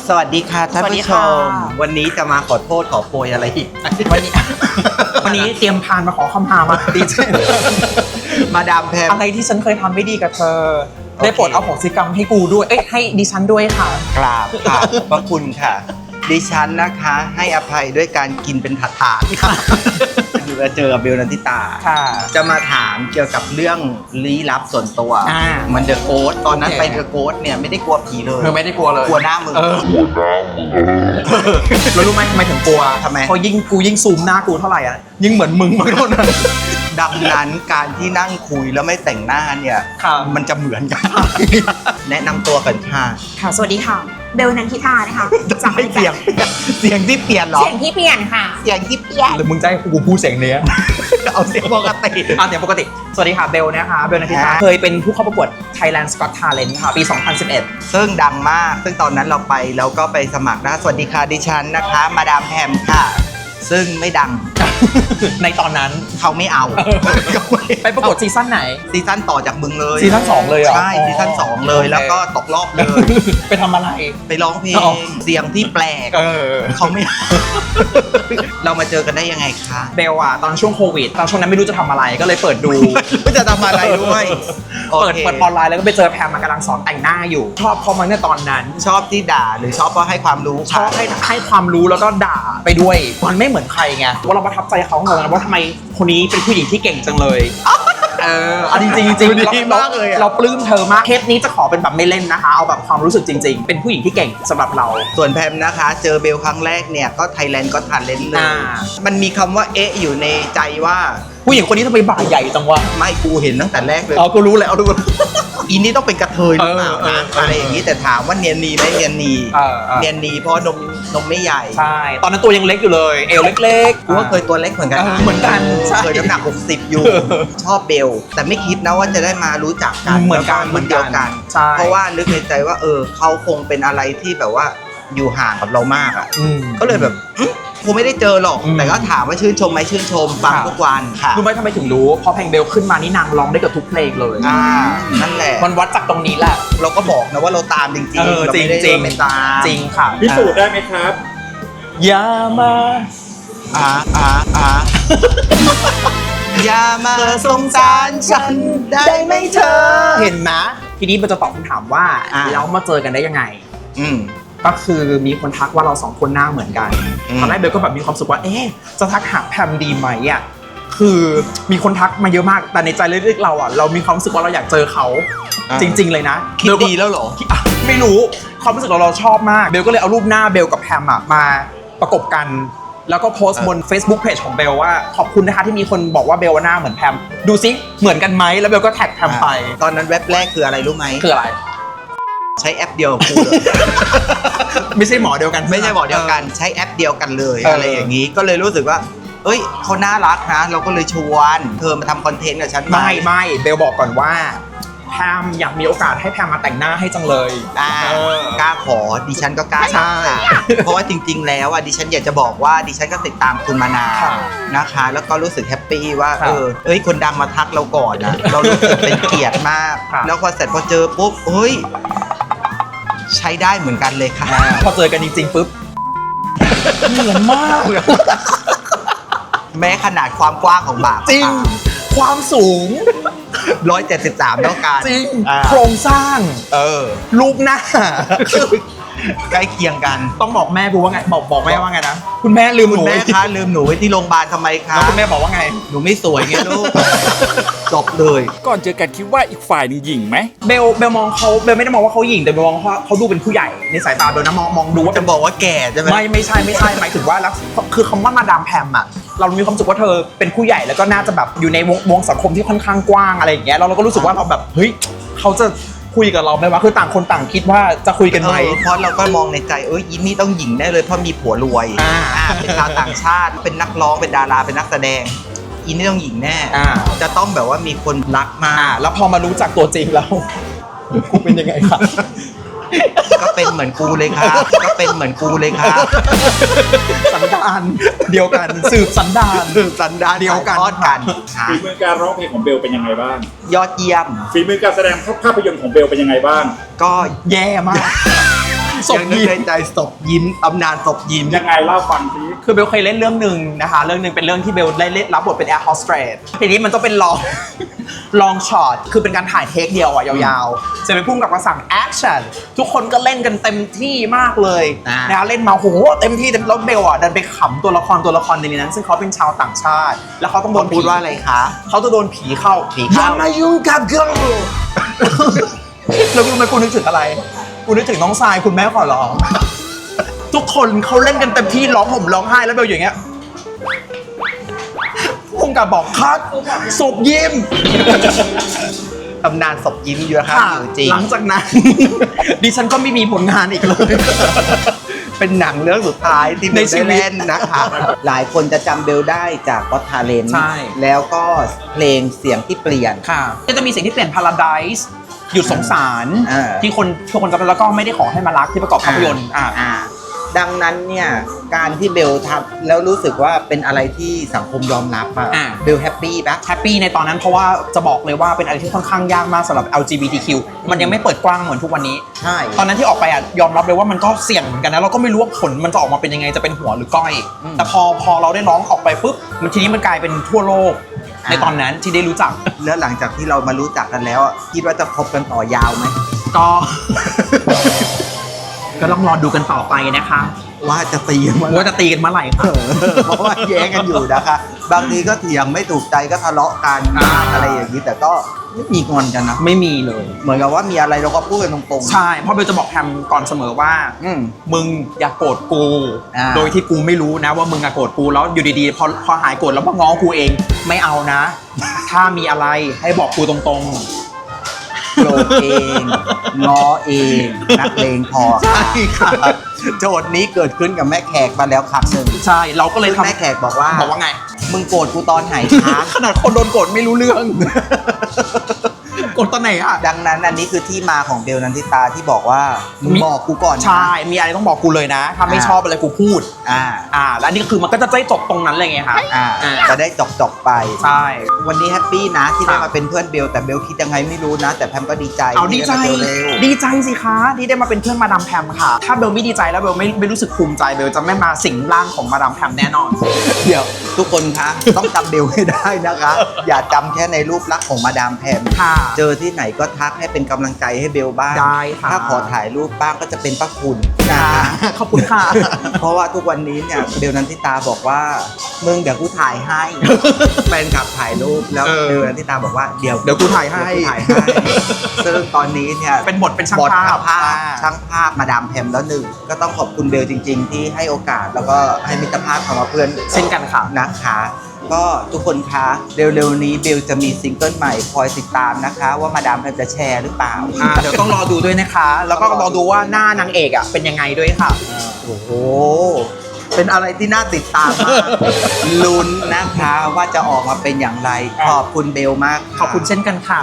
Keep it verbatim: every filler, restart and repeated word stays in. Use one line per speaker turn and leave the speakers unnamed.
สวัสดีค่ะท่านผู้ชมวันนี้จะมาขอโทษขอโพยอะไรอีก
วันนี้วันนี้เตรียมพานมาขอคำหามาดีใจ
มาดามแพม
อะไรที่ฉันเคยทำไม่ดีกับเธอได้โปรดเอาโหสิกรรมให้กูด้วยเอ้ยให้ดิฉันด้วยค่ะ
กราบค่ะขอบคุณค่ะดิฉันนะคะให้อภัยด้วยการกินเป็นถาดๆค่ะมาเจอกับเบลนันทิตาจะมาถามเกี่ยวกับเรื่องลี้ลับส่วนตัวมันเดอะโกสตอนนั้นไปเดอะโกสเนี่ยไม่ได้กลัวผีเลย
เธอไม่ได้กลัวเลย
กลัวหน้ามึง
กลัวหน้ามึงแล้วรู้ไหมทำไมถึงกลัว
ทำไม
เพราะยิ่งกูยิ่งซูมหน้ากูเท่าไหร่อ่ะยิ่งเหมือนมึงมากเท่านั้น
ดังนั้นการที่นั่งคุยแล้วไม่แต่งหน้าเนี่ยมันจะเหมือนกันแนะนำตัวกันค่ะ
ค่ะสวัสดีค่ะเบลนันทิตานะคะ
จากเสียงเสียงที่เปลี่ยนหรอ
เสียงที่เปลี่ยนค่ะ
เสียงที่เปลี่ยน
หรือมึงจะให้กูพูดเสียงเนี้ย
เอาเสียงปกติ
เอาเสียงปกติสวัสดีค่ะเบลนะคะเบลนันทิตาเคยเป็นผู้เข้าประกวด Thailand Got Talent ค่ะปีสองพันสิบเอ็ด
ซึ่งดังมากซึ่งตอนนั้นเราไปแล้วก็ไปสมัครนะสวัสดีค่ะดิฉันนะคะมาดามแพมค่ะซึ่งไม่ดัง
ในตอนนั้น
เขาไม่เอา
ไปประกวดซีซั่นไหน
ซีซั่นต่อจากมึงเลย
ซีซั่นสองเลยเหรอ
ใช่ซีซั่นสองเลยแล้วก็ตกรอบเลย
ไปทำอะไร
ไปร้องเพลงเสียงที่แปลกเขาไม่เรามาเจอกันได้ยังไงคะ
เบลอะตอนช่วงโควิดตอนช่วงนั้นไม่รู้จะทำอะไรก็เลยเปิดดู
ไม่จะทำอะไรด้วย
เปิดเปิดออนไลน์แล้วก็ไปเจอแพมมากำลังสอนแต่งหน้าอยู่ชอบเขามาในตอนนั้น
ชอบที่ด่าหรือชอบเพราะให้ความรู้
ชอบให้ให้ความรู้แล้วก็ด่าไปด้วยมันไม่เหมือนใครไงว่าเราประทับใจเขาเหมือนกันว่าทำไมคนนี้เป็นผู้หญิงที่เก่งจังเลยเออจริงจริงจริงเราเราปลื้มเธอมากเทปนี้จะขอเป็นแบบไม่เล่นนะคะเอาแบบความรู้สึกจริงๆเป็นผู้หญิงที่เก่งสำหรับเรา
ส่วนแพมนะคะเจอเบลครั้งแรกเนี่ยก็ Thailand Got Talent เลยมันมีคำว่าเอ๊ะอยู่ในใจว่า
ผู้หญิงคนนี้ทำไมบ่าใหญ่จังวะ
ไม่กูเห็นตั้งแต่แรกเลย
เอากูรู้เลยเอาดู
อีนี้ต้องเป็นกระเทยหรือเปล่านะอะไรอย่างนี้แต่ถามว่าเนียนนีไหมเนียนนีเนียนนีเพราะนมนมไม่ใหญ่
ใช่ตอนนั้นตัวยังเล็กอยู่เลยเอวเล็ก
ๆกูก็เคยตัวเล็กเหมือนกัน
เหมือนกัน
เคยน้ำหนักหกสิบอยู่ชอบเบลแต่ไม่คิดนะว่าจะได้มารู้จักกัน
เหมือนกัน
เหมือนเดียวกันเพราะว่านึกในใจว่าเออเขาคงเป็นอะไรที่แบบว่าอยู่ห่างกับเรามากอ่ะก็เลยแบบคงไม่ได้เจอหรอกแต่ก็ถามว่าชื่นชมไหมชื่นชมฟังทุกวันค่ะ
รู้ไหมทำไมถึงรู้พอเพลงเบลขึ้นมานี่นางร้องได้กับทุกเพลงเลย
อ่านั่นแหละ
มันวัดจากตรงนี้แหละ
เราก็บอกนะว่าเราตามจริงจริง
จริงจริงไม่ตามจริงค่ะ
พิสูจน์ได้ไหมครับ
อย่ามา
อ่าอ่าอ่าอย่ามาสงสารฉันได้ไหมเธอ
เห็นไหมทีนี้มันจะตอบคำถามว่าแล้วมาเจอกันได้ยังไง
อืม
ก็คือมีคนทักว่าเราสองคนหน้าเหมือนกันตอนแรกเบลก็แบบมีความสุขว่าเอ๊ะจะทักหาแพมดีไหมอ่ะคือมีคนทักมาเยอะมากแต่ในใจลึกๆเราอ่ะเรามีความรู้สึกว่าเราอยากเจอเขาจริงๆเลยนะ
คิดดีแล้วเหรอ
ไม่รู้ความรู้สึกเราเราชอบมากเบลก็เลยเอารูปหน้าเบลกับแพมอ่ะมาประกบกันแล้วก็โพสต์บน Facebook Page ของเบลว่าขอบคุณนะคะที่มีคนบอกว่าเบลหน้าเหมือนแพมดูซิเหมือนกันไหมแล้วเบลก็แท็กแพมไป
ตอนนั้นเว็บแรกคืออะไรรู้ไหม
คืออะไร
ใช้แอปเดียวกับกูเลย
ไม่ใช่หมอเดียวกัน
ไม่ใช่หมอเดียวกันใช้แอปเดียวกันเลยอะไรอย่างนี้ก็เลยรู้สึกว่าเอ้ยเขาน่ารักนะเราก็เลยชวนเธอมาทำคอนเทนต์กับฉัน
ไม่ไม่เบลบอกก่อนว่าแพมอยากมีโอกาสให้แพมมาแต่งหน้าให้จังเลย
กล้าขอดิฉันก็กล้าใช่เพราะว่าจริงๆแล้วอ่ะดิฉันอยากจะบอกว่าดิฉันก็ติดตามคุณมานานนะคะแล้วก็รู้สึกแฮปปี้ว่าเออเอ้ยคนดังมาทักเราก่อนนะเรารู้สึกเป็นเกียรติมากแล้วพอเสร็จพอเจอปุ๊บเฮ้ยใช้ได้เหมือนกันเลยค่ะ
พอเจอกันจริงๆปุ๊บเหมือนมาก
แม้ขนาดความกว้างของบา
จริงความสูง
หนึ่งร้อยเจ็ดสิบสามเท่ากัน
จริงโครงสร้าง
เออ
รูปหน้า
ใกล้เคียงกัน
ต้องบอกแม่กูว่าไงบอกบอกแม่ว่าไงนะคุณแม่ลืมหนู
แม่คะลืมหนูไว้ที่โรงพยาบาลทำไมคะ
แล้วคุณแม่บอกว่าไง
หนูไม่สวยไงลูกจบเลย
ก่อนเจอกันคิดว่าอีกฝ่ายนึงหยิ่งไหม
เบลเบลมองเขาเบลไม่ได้มองว่าเขาหยิ่งแต่เบลมองว่าเขาดูเป็นผู้ใหญ่ในสายตาเบลนะมองมองดูว่า
จะบอกว่าแก่ใช่ไหม
ไม่ไม่ใช่ไม่ใช่หมายถึงว่าแล้วคือคำว่ามาดามแพมอะเรามีความรู้สึกว่าเธอเป็นผู้ใหญ่แล้วก็น่าจะแบบอยู่ในวงวงสังคมที่ค่อนข้างกว้างอะไรอย่างเงี้ยเราเราก็รู้สึกว่าเราแบบเฮ้ยเขาจะคุยกับเราไหมวะคือต่างคนต่างคิดว่าจะคุยกันไหม
เพราะเราก็มองในใจเอ้ยยินนี่ต้องหญิงแน่เลยเพราะมีผัวรวยเป็นชาวต่างชาติเป็นนักร้องเป็นดาราเป็นนักแสดงอินนี่ต้องหญิงแน่จะต้องแบบว่ามีคนรักมา
แล้วพอมารู้จักตัวจริงแล้วกูเป็นยังไงครับ
ก็เป็นเหมือนกูเลยค่ะก็เป็นเหมือนกูเลยค่ะ
สันดานเดียวกันสืบสันดาน
สืบสันดาน
เดียวกัน
ทอดกัน
ฝีมือการร้องเพลงของเบลเป็นยังไงบ้าง
ยอดเยี่ยม
ฝีมือการแสดงภาพยนตร์ของเบลเป็นยังไงบ้าง
ก็แย่มากศพ
ยังนึก
ยิ้ม
ในใจศพยิ้มตำนานศพยิ้ม
ยังไงเล่าฟังสิ
คือเบลเคยเล่นเรื่องหนึ่งนะคะ เรื่องหนึ่งเป็นเรื่องที่เบลได้เล่นรับบทเป็นแอร์โฮสเตสทีนี้มันต้องเป็นลอง ลองช็อตคือเป็นการถ่ายเทคเดียวอ่ะยาวๆจะเป็นพุ่งกับมาสั่งแอคชั่นทุกคนก็เล่นกันเต็มที่มากเลย
อ่าน
นะคะเล่นมาโหเต็มที่เต็มแล้วเบลอ่ะดันไปขำตัวละครตัวละครในนั้น ซึ่งเขาเป็นชาวต่างชาติ แล้วเขาต้องโด
เขา
น
พูดว่าอะไรคะ
เขาจะโดนผีเข้า
ผีเข้า
อย่ามายุ่งกับกู แล้วรู้ไหมกูนึกถึงอะไรกูนึกถึงน้องทรายคุณแม่ขอร้อง ทุกคนเขาเล่นกันเต็มที่ร้องห่มร้องไห้แล้วเบลอย่างเงี้ยพุ่งกับบอกคัดศพยิ้ม
ตำนานศพยิ้มอยู่นะครับอยู่จริง
หลังจากนั้น ดิฉันก็ไม่มีผลงานอีกเลย
เป็นหนังเรื่องสุดท้ายที่เบ
ใน
ล
ชี
ได้
วิต
เล่นนะคะ หลายคนจะจำเบลได้จากก็อตทาเลน
ใช่
แล้วก็เพลงเสียงที่เปลี่ยน
ค่ะก็จะมีสิ่งที่เปลี่ยน Paradise หยุดสงสาร
อ่า
ที่คนทุกคนจำได้แล้วก็ไม่ได้ขอให้มารักที่ประกอบภาพยนตร์อ่า
อ่าดังนั้นเนี่ยการที่เบลทำแล้วรู้สึกว่าเป็นอะไรที่สังคมยอมรับอะ
อ่า
เบลแฮปปี้ปะ
แฮปปี้ในตอนนั้นเพราะว่าจะบอกเลยว่าเป็นอะไรที่ค่อนข้างยากมากสำหรับ แอล จี บี ที คิว มันยังไม่เปิดกว้างเหมือนทุกวันนี้
ใช่
ตอนนั้นที่ออกไปอ่ะยอมรับเลยว่ามันก็เสี่ยงเหมือนกันนะเราก็ไม่รู้ว่าผลมันจะออกมาเป็นยังไงจะเป็นหัวหรือก้อย
อืม
แต่พอพอเราได้ร้องออกไปปุ๊บมันทีนี้มันกลายเป็นทั่วโลก
อ่า
ในตอนนั้นที่ได้รู้จัก
แล้วหลังจากที่เรามารู้จักกันแล้วอะคิดว่าจะคบกันต่อยาวไหม
ก็ ก็ต้องรอดูกันต่อไปนะคะ
ว่าจะตีกันเมื่อไหร่
ว่าจะตีกันเมื่อไหร่ค่ะ
เพราะว่าแย้งกันอยู่นะคะ บางทีก็เถียงไม่ถูกใจก็ทะเลาะกัน
อ่า
อะไรอย่างนี้แต่ก็ไม่มีงอนกันนะ
ไม่มีเลย
เหมือนกับว่ามีอะไรเราก็พูดกันตรงๆ
ใช่เพราะเบลจะบอกแฮมก่อนเสมอว่า
อืม
มึงอย่าโกรธกู
อ่า
โดยที่กูไม่รู้นะว่ามึงอะโกรธกูแล้วอยู่ดีๆพอพอหายโกรธแล้วมาง้อกูเองไม่เอานะ ถ้ามีอะไรให้บอกกูตรงๆ
โกรธเองง้อเองนักเลงพอ
ใช่ค่ะ
โจทย์นี้เกิดขึ้นกับแม่แขกมาแล้วครั้งหนึ่ง
ใช่เราก็เลย
ซึ่ง
ทำ
แม่แขกบอกว่า
บอกว่าไง
มึงโกรธกูตอนไหนคะ
ขนาดคนโดนโกรธไม่รู้เรื่อง โกรธตอนไหนอะ
ดังนั้นอันนี้คือที่มาของเบลนันทิตาที่บอกว่ามึง
มี
บอกกูก่อนนะ
ใช่มีอะไรต้องบอกกูเลยนะ ถ้าไม่
อ่า
ชอบอะไรกูพูด
อ่า
อ่า แล้วอันนี้คือมันก็จะได้จบตรงนั้นเลยไงคะ
อ่า
อ่า
จะได้จบจบๆไป
ใช่
วันนี้แฮปปี้นะที่ได้
ครับ
มาเป็นเพื่อนเบลแต่เบลคิดยังไงไม่รู้นะ แต่แพมก็ดีใจ
เอาดีใจ
ที่ได้มาเจอเร็ว
ดีใจสิคะที่ได้มาเป็นเพื่อนมาดามแพมค่ะ ถ้าเบลไม่ดีใจแล้วเบลไม่ไม่รู้สึกภูมิใจเบลจะไม่มาสิงร่างของมาดามแพมแน่นอน
เดี๋ยวทุกคนคะ ต้องจำเบลให้ได้นะคะ อย่าจำแค่ในรูปลักษณ์ของมาดามแพม
ค่ะ
เจอที่ไหนก็ทักให้เป็นกำลังใจให้เบลบ้าง
ได้ค่ะ
ถ้าขอถ่ายรูปบ้างก็จะเป็นพระคุณนะ
ค่ะ
คะ
ขอบคุณค่ะ
เพราะว่าทุกวันนี้เนี่ยเบลนันทิตาบอกว่ามึงเดี๋ยวกูถ่ายให้ แฟนคลับถ่ายรูปแล้ว
เออ
เบลนันทิตาบอกว่าเดี๋ยว
เดี๋ยวกูถ่ายให้
เดี๋วกูถ่ายให้ซึ่งตอนนี้เนี่ย
เป็นบทเป็นช่าง
บท
ภาพ
ภาพช่างภาพมาดามแพมแล้วหนึ่งก็ต้องขอบคุณเบลจริง ๆ ที่ให้โอกาสแล้วก็ให้มิตรภาพคำว่าเพื่อน
เช่นกันค่ะ
นะคะ ก็ทุกคนคะเร็วๆนี้เบลจะมีซิงเกิลใหม่คอยติดตามนะคะ ว่ามาดามแพมจะแชร์หรือเปล่า
อ่าเดี๋ยวต้องรอดูด้วยนะคะ แล้วก็รอดูว่าหน้านางเอกอ่ะเป็นยังไงด้วยค่ะ
โอ้โห เป็นอะไรที่น่าติดตามมาก ลุ้นนะคะว่าจะออกมาเป็นอย่างไร ขอบคุณเบลมากะ
ขอบคุณเช่นกันค่ะ